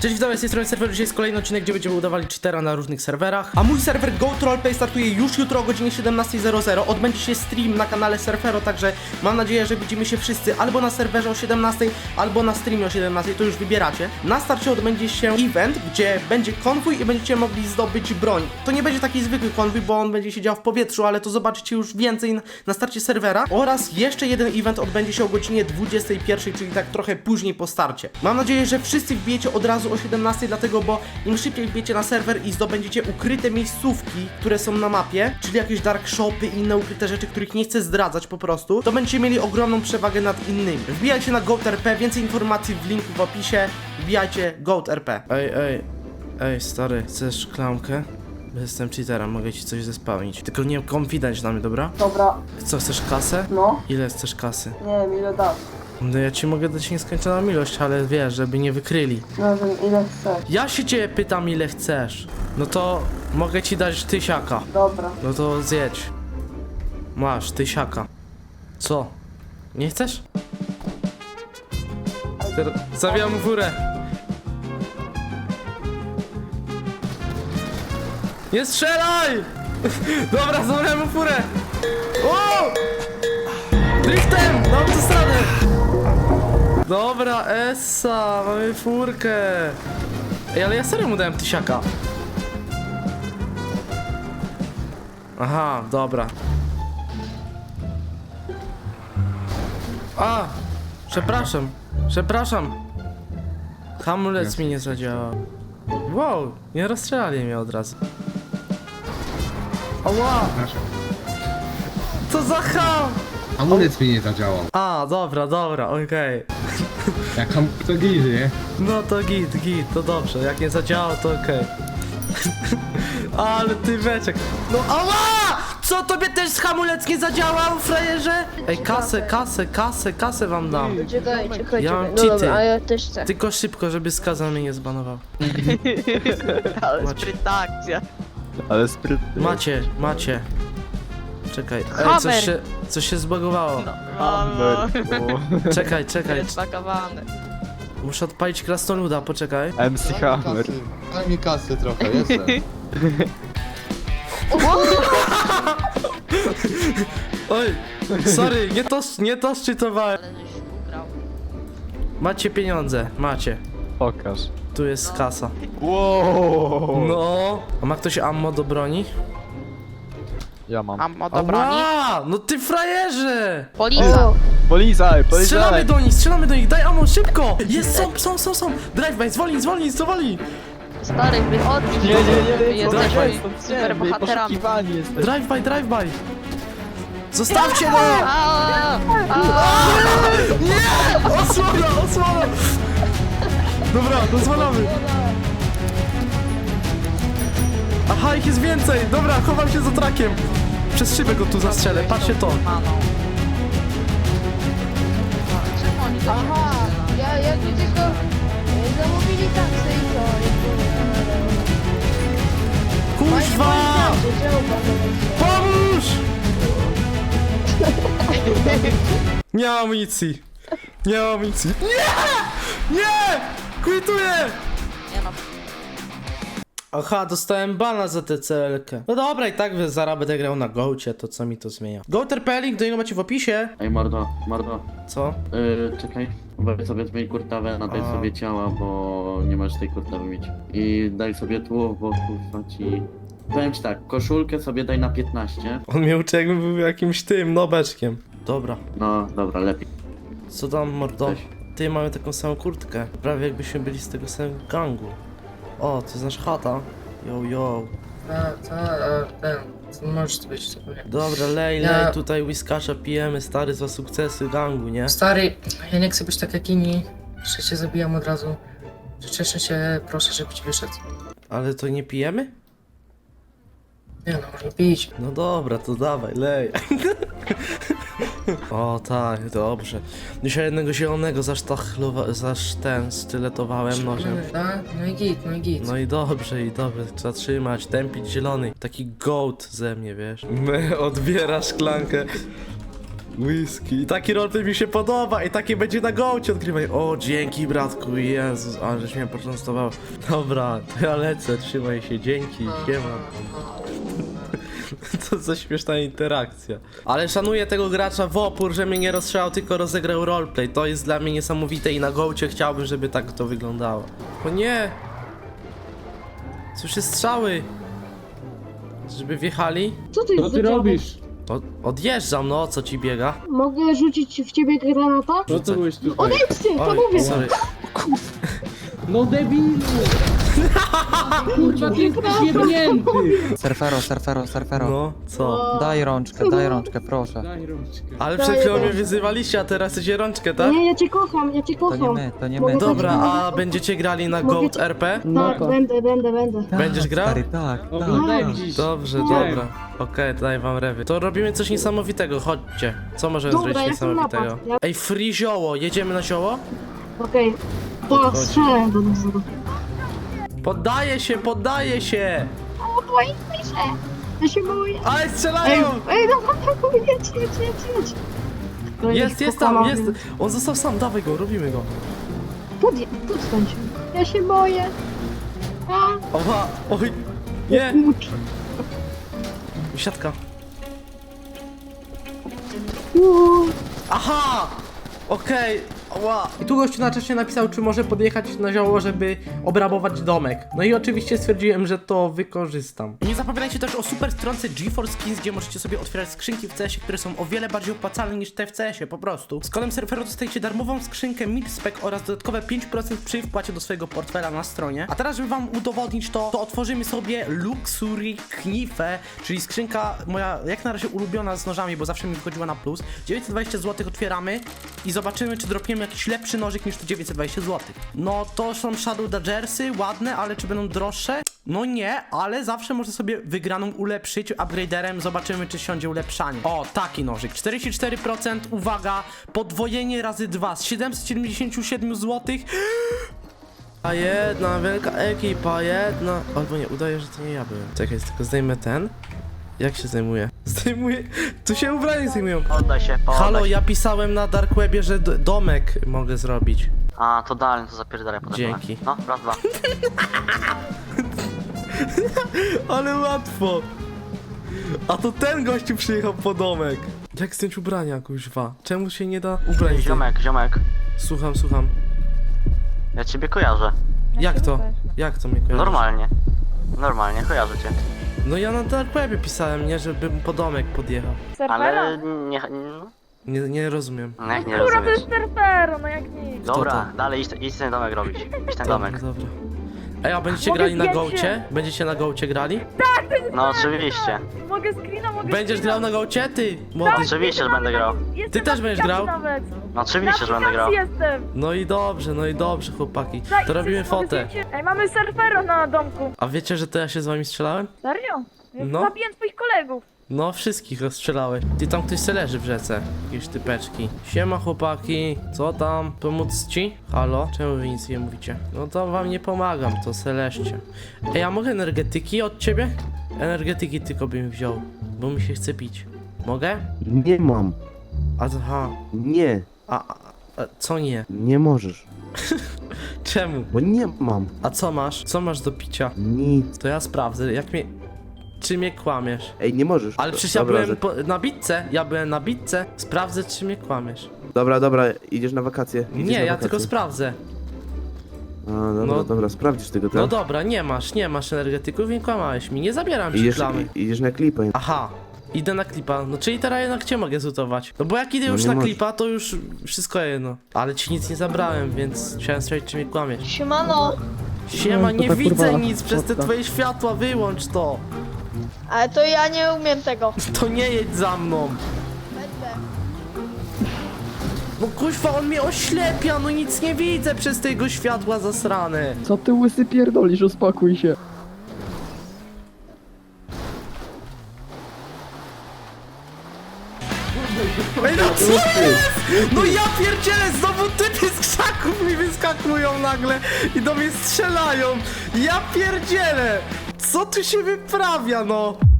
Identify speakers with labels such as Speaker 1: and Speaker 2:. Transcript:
Speaker 1: Cześć, witam, z tej strony serwer. Dzisiaj jest kolejny odcinek, gdzie będziemy udawali cheatera na różnych serwerach. A mój serwer GoatRoleplay startuje już jutro o godzinie 17:00. Odbędzie się stream na kanale Surfero, także mam nadzieję, że widzimy się wszyscy albo na serwerze o 17:00, albo na streamie o 17:00, to już wybieracie. Na starcie odbędzie się event, gdzie będzie konwój i będziecie mogli zdobyć broń. To nie będzie taki zwykły konwój, bo on będzie się działo w powietrzu, ale to zobaczycie już więcej na starcie serwera. Oraz jeszcze jeden event odbędzie się o godzinie 21:00, czyli tak trochę później po starcie. Mam nadzieję, że wszyscy wbijecie od razu o 17:00, dlatego, bo im szybciej wbijecie na serwer i zdobędziecie ukryte miejscówki, które są na mapie, czyli jakieś dark shopy i inne ukryte rzeczy, których nie chcę zdradzać po prostu, to będziecie mieli ogromną przewagę nad innymi. Wbijajcie na GoatRP, więcej informacji w linku w opisie. Wbijajcie GoatRP. Ej, stary, chcesz szklankę? Jestem cheaterem, mogę ci coś zespałnić. Tylko nie confidence na mnie, dobra?
Speaker 2: Dobra,
Speaker 1: Co, chcesz kasę?
Speaker 2: no,
Speaker 1: Ile chcesz kasy?
Speaker 2: nie wiem ile dasz.
Speaker 1: No ja ci mogę dać nieskończoną ilość, ale wiesz, żeby nie wykryli.
Speaker 2: Nie wiem ile chcesz.
Speaker 1: Ja się ciebie pytam, ile chcesz. No to mogę ci dać 1000.
Speaker 2: Dobra,
Speaker 1: No to zjedź. Masz 1000. Co? Nie chcesz? Zawijam furę. Nie strzelaj! Dobra, zabrałem mu furę. O! Driftem! Na autostradę! Dobra, Essa, mamy furkę. Ej, ale ja serio mu dałem 1000. Aha, dobra. A! Przepraszam. Hamulec mi nie zadziałał. Wow, nie rozstrzelali mnie od razu. Ała! Co za ham!
Speaker 3: Hamulec mi nie zadziałał.
Speaker 1: A, dobra, okej.
Speaker 3: Jak to gizy, nie?
Speaker 1: No to git, to dobrze. Jak nie zadziałało, to okej. Ale ty beczek. No ała! Co, tobie też hamulec nie zadziałał, frajerze? Ej, kasę wam dam.
Speaker 4: Czekaj.
Speaker 1: Ja mam
Speaker 4: No
Speaker 1: cheaty.
Speaker 4: dobra, a ja też chcę.
Speaker 1: Tylko szybko, żeby skazan mnie nie zbanował.
Speaker 5: Ale
Speaker 1: Macie.
Speaker 5: sprytna akcja. Ale sprytny.
Speaker 1: Macie. Czekaj. Ej,
Speaker 4: Hammer.
Speaker 1: coś się zbagowało.
Speaker 5: Hammer.
Speaker 1: Czekaj.
Speaker 5: Jest pakowany.
Speaker 1: Muszę odpalić krasnoluda, poczekaj.
Speaker 5: MC Hammer.
Speaker 3: Daj mi kasy trochę, jestem.
Speaker 1: Oj, sorry, nie to szczytowałem. Macie pieniądze, macie.
Speaker 5: Pokaż.
Speaker 1: Tu jest kasa.
Speaker 5: Wow.
Speaker 1: No. A ma ktoś ammo do broni?
Speaker 5: Ja mam.
Speaker 4: Ammo do broni?
Speaker 1: Ała, no ty frajerze!
Speaker 4: Policja!
Speaker 5: Polizaj.
Speaker 1: Strzelamy do nich, daj ammo, szybko! Jest, są! Drive-by, zwolnij!
Speaker 4: Stary, wychodź!
Speaker 5: Nie.
Speaker 4: Jesteśmy super bohaterami.
Speaker 1: Drive-by! Zostawcie go! Nie! Osłona! Dobra, dozwalamy. Aha, ich jest więcej! Dobra, chowam się za trakiem. Przez szybę go tu zastrzelę, patrzcie to.
Speaker 4: Aha, ja tu tylko zamówili taksy i to.
Speaker 1: Kuźwa! Pomóż! Nie mam amunicji. Nie! Quituję! Aha, dostałem bana za tę CL-kę. No dobra, i tak zaraz będę grał na Goacie, to co mi to zmienia. GoatRP, link do niego macie w opisie.
Speaker 6: Ej, mordo.
Speaker 1: Co?
Speaker 6: Czekaj. Weź sobie zmień kurtawę, nadaj
Speaker 1: A.
Speaker 6: sobie ciała, bo nie możesz tej kurtawy mieć. I daj sobie tło, bo kurwa ci... Powiem ci tak, koszulkę sobie daj na 15.
Speaker 1: On mnie uczy, jakbym był jakimś tym nobeczkiem. Dobra,
Speaker 6: No, dobra, lepiej.
Speaker 1: co tam, mordo?
Speaker 6: Cześć.
Speaker 1: Ty, mamy taką samą kurtkę. Prawie jakbyśmy byli z tego samego gangu. O, to jest nasza chata. Yo.
Speaker 2: ten, możesz to być sobie.
Speaker 1: Dobra, lej,
Speaker 2: Ja-
Speaker 1: tutaj whiskasza pijemy, stary, za sukcesy gangu, nie?
Speaker 2: Stary, ja nie chcę być tak jak inni, że cię zabijam od razu. Cieszę się, proszę, żeby ci wyszedł.
Speaker 1: Ale to nie pijemy?
Speaker 2: Nie no, można pić.
Speaker 1: No dobra, to dawaj, lej. O tak, dobrze. Dzisiaj jednego zielonego styletowałem nożem.
Speaker 2: No i git.
Speaker 1: No i dobrze, zatrzymać, tępić zielony. Taki goat ze mnie, wiesz. Odbiera szklankę. Whisky. I taki roleplay mi się podoba i takie będzie na gołcie odgrywanie. O, dzięki bratku, Jezus, ale żeś mnie poczęstował. Dobra, to ja lecę, trzymaj się, dzięki, siema. Co za śmieszna interakcja. Ale szanuję tego gracza w opór, że mnie nie rozstrzelał, tylko rozegrał roleplay. To jest dla mnie niesamowite i na gołcie chciałbym, żeby tak to wyglądało. O nie! Słyszę strzały! Żeby wjechali?
Speaker 7: Co ty,
Speaker 3: Co ty robisz?
Speaker 1: Odjeżdżam, no, co ci biega?
Speaker 7: Mogę rzucić w ciebie granata?
Speaker 3: Po co byłeś tutaj?
Speaker 7: Odejdźcie, to
Speaker 1: Oj,
Speaker 7: mówię!
Speaker 1: sorry.
Speaker 3: No debilu! Kurwa, ty jesteś jebnięty!
Speaker 8: Surfero.
Speaker 1: No, co?
Speaker 8: Daj rączkę, proszę.
Speaker 3: Daj rączkę.
Speaker 1: Ale przed chwilą mnie wyzywaliście, a teraz chcecie rączkę, tak?
Speaker 7: Nie, ja cię kocham, ja cię kocham.
Speaker 8: To nie
Speaker 7: Mogę
Speaker 8: my.
Speaker 1: Dobra,
Speaker 7: powiedzieć?
Speaker 1: a będziecie grali na
Speaker 7: Mogę
Speaker 1: Goat
Speaker 7: ci-
Speaker 1: RP?
Speaker 7: Tak, będę.
Speaker 1: Będziesz grał?
Speaker 8: Stary, tak.
Speaker 3: Oglądałem dziś.
Speaker 1: Dobrze,
Speaker 3: Widziałem.
Speaker 1: dobra. Okej, daj wam rewy. To robimy coś niesamowitego, chodźcie. Co możemy
Speaker 7: Dobra,
Speaker 1: zrobić
Speaker 7: ja chcę
Speaker 1: niesamowitego?
Speaker 7: napad. Ja-
Speaker 1: Ej, free zioło, jedziemy na zioło?
Speaker 7: Okej. To strzelę do nas.
Speaker 1: Poddaję się!
Speaker 7: O, boję się. Ja się boję.
Speaker 1: Ale
Speaker 7: Ej,
Speaker 1: strzelają!
Speaker 7: dobra, jedź. To
Speaker 1: Jest tam, jest! On został sam, dawaj go, robimy go.
Speaker 7: Podstań się. Ja się boję. A,
Speaker 1: Oha, oj, nie!
Speaker 7: kurcz.
Speaker 1: Siatka.
Speaker 7: Uuu.
Speaker 1: Aha! Okej, ła. I tu gościu na czasie napisał, czy może podjechać na zioło, żeby obrabować domek. No i oczywiście stwierdziłem, że to wykorzystam. I nie zapominajcie też o super stronce GeForce Skins, gdzie możecie sobie otwierać skrzynki w CS-ie, które są o wiele bardziej opłacalne niż te w CS-ie, po prostu. Z kodem Surfero dostajecie darmową skrzynkę Mixspec oraz dodatkowe 5% przy wpłacie do swojego portfela na stronie. A teraz, żeby wam udowodnić to otworzymy sobie Luxury Knife, czyli skrzynka moja jak na razie ulubiona z nożami, bo zawsze mi wychodziła na plus. 920 zł otwieramy i zobaczymy, czy dropiemy jakiś lepszy nożyk niż te 920 zł. No to są Shadow Dodgersy, ładne, ale czy będą droższe? No nie, ale zawsze można sobie wygraną ulepszyć upgraderem, zobaczymy, czy siądzie ulepszanie. O, taki nożyk, 44%, uwaga, podwojenie razy 2 z 777 zł. A jedna wielka ekipa, jedna... Albo nie, udaje, że to nie ja byłem. Czekaj, tylko zdejmę ten. Jak się zdejmuje? Zdejmuję... Tu się ubranie zdejmują.
Speaker 9: Poddaj się,
Speaker 1: Halo, ja pisałem na Dark Webie, że domek mogę zrobić.
Speaker 9: A, to dalej, to zapierdalaj potem.
Speaker 1: Dzięki.
Speaker 9: No, raz, dwa.
Speaker 1: Ale łatwo. A to ten gościu przyjechał po domek. Jak zdjąć ubrania, kuźwa? Czemu się nie da ubrać?
Speaker 9: Ziomek,
Speaker 1: Słucham.
Speaker 9: ja ciebie kojarzę.
Speaker 1: Jak to? Jak to mnie kojarzy?
Speaker 9: Normalnie, kojarzę cię.
Speaker 1: No ja na Dark Webie pisałem, nie? Żebym po domek podjechał.
Speaker 9: Ale
Speaker 1: Nie rozumiem.
Speaker 9: no jak nie rozumiesz.
Speaker 4: Surfero, no jak nic.
Speaker 9: Dobra, dalej idź ten domek robić. Idź ten domek.
Speaker 1: Dobra. Ej, a będziecie
Speaker 4: Mogę
Speaker 1: grali na
Speaker 4: zdjęcie?
Speaker 1: gołcie? Będziecie na gołcie grali?
Speaker 9: No oczywiście.
Speaker 4: Mogę screena,
Speaker 1: Będziesz grał na gołcie? Ty, młody.
Speaker 9: Oczywiście, że będę grał.
Speaker 1: Ty też będziesz grał?
Speaker 4: Nawet.
Speaker 9: No oczywiście, że będę grał.
Speaker 4: Jestem.
Speaker 1: No i dobrze, chłopaki.
Speaker 4: Daj,
Speaker 1: To robimy
Speaker 4: mogę
Speaker 1: fotę.
Speaker 4: zdjęcie? Ej, mamy surfero na domku.
Speaker 1: A wiecie, że to ja się z wami strzelałem?
Speaker 4: Serio?
Speaker 1: No.
Speaker 4: Zabiję twoich kolegów.
Speaker 1: No, wszystkich rozstrzelałeś. Ty, tam ktoś se leży w rzece. Jakieś typeczki. Siema, chłopaki. Co tam? Pomóc ci? Halo? Czemu wy nic nie mówicie? No to wam nie pomagam, to se leżcie. Ej, a mogę energetyki od ciebie? Energetyki tylko bym wziął, bo mi się chce pić. Mogę?
Speaker 10: Nie mam.
Speaker 1: Aha.
Speaker 10: Nie,
Speaker 1: A co nie?
Speaker 10: nie możesz.
Speaker 1: Czemu?
Speaker 10: Bo nie mam.
Speaker 1: A co masz? Co masz do picia?
Speaker 10: Nic.
Speaker 1: To ja sprawdzę, jak mnie... Czy mnie kłamiesz?
Speaker 10: Ej, nie możesz.
Speaker 1: Ale przecież ja
Speaker 10: Dobra,
Speaker 1: byłem na bitce, Sprawdzę, czy mnie kłamiesz.
Speaker 10: Dobra, idziesz na wakacje. Idziesz
Speaker 1: Nie,
Speaker 10: na
Speaker 1: ja
Speaker 10: wakacje.
Speaker 1: tylko sprawdzę.
Speaker 10: A, dobra,
Speaker 1: No.
Speaker 10: dobra, sprawdzisz tego, tak?
Speaker 1: No dobra, nie masz energetyków i kłamałeś mi, nie zabieram ci
Speaker 10: Idziesz,
Speaker 1: klamy.
Speaker 10: idziesz na klipę.
Speaker 1: Aha, idę na klipa, no czyli teraz jednak cię mogę zutować. No bo jak idę
Speaker 10: No
Speaker 1: już
Speaker 10: nie
Speaker 1: na
Speaker 10: możesz.
Speaker 1: klipa, to już wszystko jedno. Ale ci nic nie zabrałem, więc chciałem sprawdzić, czy mnie kłamiesz.
Speaker 4: Siemano.
Speaker 1: Siema, nie widzę nic, przez te twoje światła, wyłącz to.
Speaker 4: Ale to ja nie umiem tego.
Speaker 1: To nie jedź za mną.
Speaker 4: Będę.
Speaker 1: No kuźwa, on mnie oślepia, no nic nie widzę przez te jego światła zasrane.
Speaker 5: Co ty łysy pierdolisz, uspokój się.
Speaker 1: Ej, no co jest? No ja pierdzielę, znowu typy z krzaków mi wyskakują nagle i do mnie strzelają. Ja pierdzielę. Co tu się wyprawia, no?